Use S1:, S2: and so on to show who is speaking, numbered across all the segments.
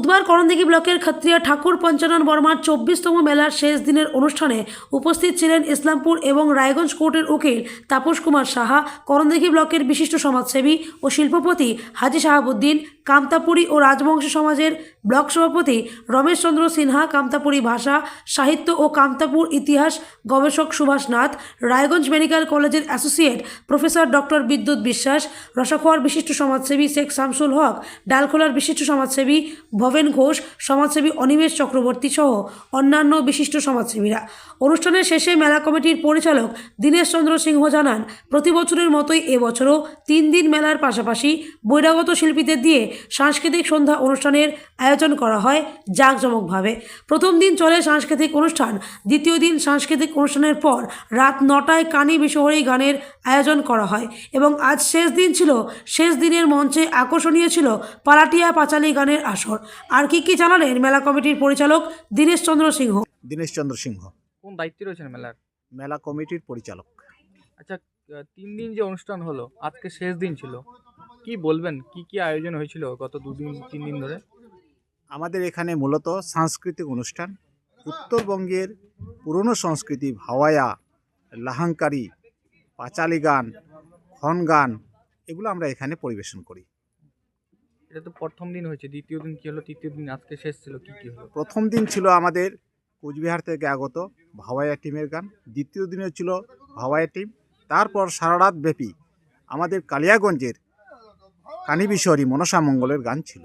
S1: বুধবার করণদিঘি ব্লকের ক্ষত্রিয়া ঠাকুর পঞ্চানন বর্মার 24তম মেলার শেষ দিনের অনুষ্ঠানে উপস্থিত ছিলেন ইসলামপুর এবং রায়গঞ্জ কোর্টের উকিল তাপস কুমার সাহা, করণদিঘি ব্লকের বিশিষ্ট সমাজসেবী ও শিল্পপতি হাজী শাহাবুদ্দিন, কামতাপুরী ও রাজবংশ সমাজের ব্লক সভাপতি রমেশ চন্দ্র সিনহা, কামতাপুরী ভাষা, সাহিত্য ও কামতাপুর ইতিহাস গবেষক সুভাষ নাথ, রায়গঞ্জ মেডিকেল কলেজের associate professor doctor Bidyut Biswas, রসাখোয়ার বিশিষ্ট সমাজসেবী শেখ শামসুল হক, ডালখোলার বিশিষ্ট সমাজসেবী ভবেন ঘোষ, সমাজসেবী অনিমেষ চক্রবর্তী সহ অন্যান্য বিশিষ্ট সমাজসেবীরা। অনুষ্ঠানের শেষে মেলা কমিটির পরিচালক দীনেশ চন্দ্র সিংহ জানান, প্রতি বছরের মতোই এবছরও 3 দিন মেলার পাশাপাশি বহিরাগত শিল্পীদের দিয়ে সাংস্কৃতিক সন্ধ্যা অনুষ্ঠানের আয়োজন করা হয় জাঁকজমকভাবে। প্রথম দিন চলে সাংস্কৃতিক অনুষ্ঠান, দ্বিতীয় দিন সাংস্কৃতিক অনুষ্ঠানের পর রাত 9টায় কানি বিশহরী গানের আয়োজন করা হয় এবং আজ শেষ দিন ছিল। শেষ দিনের মঞ্চে আকর্ষণীয় ছিল পালাটিয়া পাঁচালী গানের আসর। আর কি জানালেন মেলা কমিটির পরিচালক দীনেশ চন্দ্র সিংহ।
S2: দীনেশ চন্দ্র সিংহ
S3: কোন দায়িত্বে রয়েছেন মেলার?
S2: মেলা কমিটির পরিচালক।
S3: আচ্ছা, 3 দিন যে অনুষ্ঠান হলো, আজকে শেষ দিন ছিল, কি বলবেন? কি আয়োজন হয়েছিল গত 2 দিন 3 দিন ধরে?
S2: আমাদের এখানে মূলত সাংস্কৃতিক অনুষ্ঠান, উত্তরবঙ্গের পুরনো সংস্কৃতি ভাওয়ায়া, লাহাঙ্কারি, পাঁচালী গান, খন গান, এগুলো আমরা এখানে পরিবেশন করি।
S3: এটা তো প্রথম দিন হয়েছে, দ্বিতীয় দিন কি হলো, তৃতীয় দিন আজকে শেষ ছিল, কি হলো?
S2: প্রথম দিন ছিল আমাদের কোচবিহার থেকে আগত ভাওয়ায়া টিমের গান, দ্বিতীয় দিনে ছিল ভাওয়ায়া টিম, তারপর সারা রাত ব্যাপী আমাদের কালিয়াগঞ্জের কানিবিশহরী মনসা মঙ্গলের গান ছিল।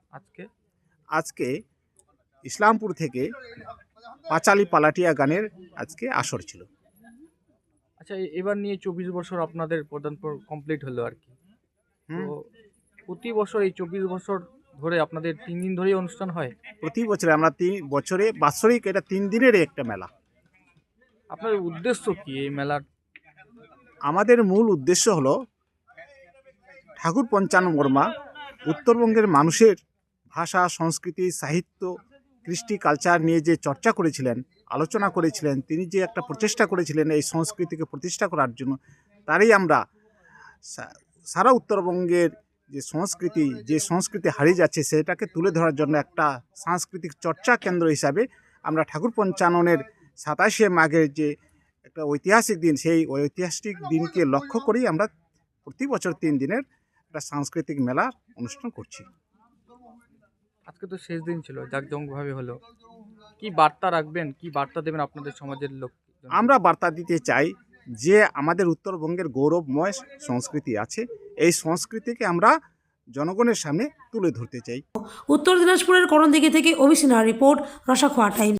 S2: আজকে ইসলামপুর থেকে পাঁচালী পালাটিয়া গানের আজকে আসর ছিল।
S3: আচ্ছা, এবার নিয়ে 24 বছর আপনাদের প্রদান কমপ্লিট হলো আর কি। তো প্রতি বছর এই 24 বছর ধরে আপনাদের 3 দিন ধরেই অনুষ্ঠান হয়?
S2: প্রতি বছরে আমরা 3 বছরে বাৎসরিক এটা 3 দিনের একটা মেলা।
S3: আপনার উদ্দেশ্য কি এই মেলার?
S2: আমাদের মূল উদ্দেশ্য হলো ঠাকুর পঞ্চানন বর্মা উত্তরবঙ্গের মানুষের ভাষা, সংস্কৃতি, সাহিত্য, কৃষ্টি, কালচার নিয়ে যে চর্চা করেছিলেন, আলোচনা করেছিলেন, তিনি যে একটা প্রচেষ্টা করেছিলেন এই সংস্কৃতিকে প্রতিষ্ঠা করার জন্য, তারই আমরা সারা উত্তরবঙ্গের যে সংস্কৃতি হারিয়ে যাচ্ছে সেটাকে তুলে ধরার জন্য একটা সাংস্কৃতিক চর্চা কেন্দ্র হিসাবে আমরা ঠাকুর পঞ্চাননের 27শে মাঘের যে একটা ঐতিহাসিক দিন, সেই ঐতিহাসিক দিনকে লক্ষ্য করেই আমরা প্রতি বছর 3 দিনের একটা সাংস্কৃতিক মেলা অনুষ্ঠান করছি।
S3: আজকে তো শেষ দিন ছিল, জাঁকজমকভাবে হলো, কি বার্তা রাখবেন, কি বার্তা দেবেন আপনাদের সমাজের লোক?
S2: আমরা বার্তা দিতে চাই যে আমাদের উত্তরবঙ্গের গৌরবময় সংস্কৃতি আছে, এই সংস্কৃতিকে আমরা জনগণের সামনে তুলে ধরতে চাই।
S1: উত্তর দিনাজপুরের করণদিঘি থেকে অভিসিনহার রিপোর্ট, রসাখোয়া টাইমস।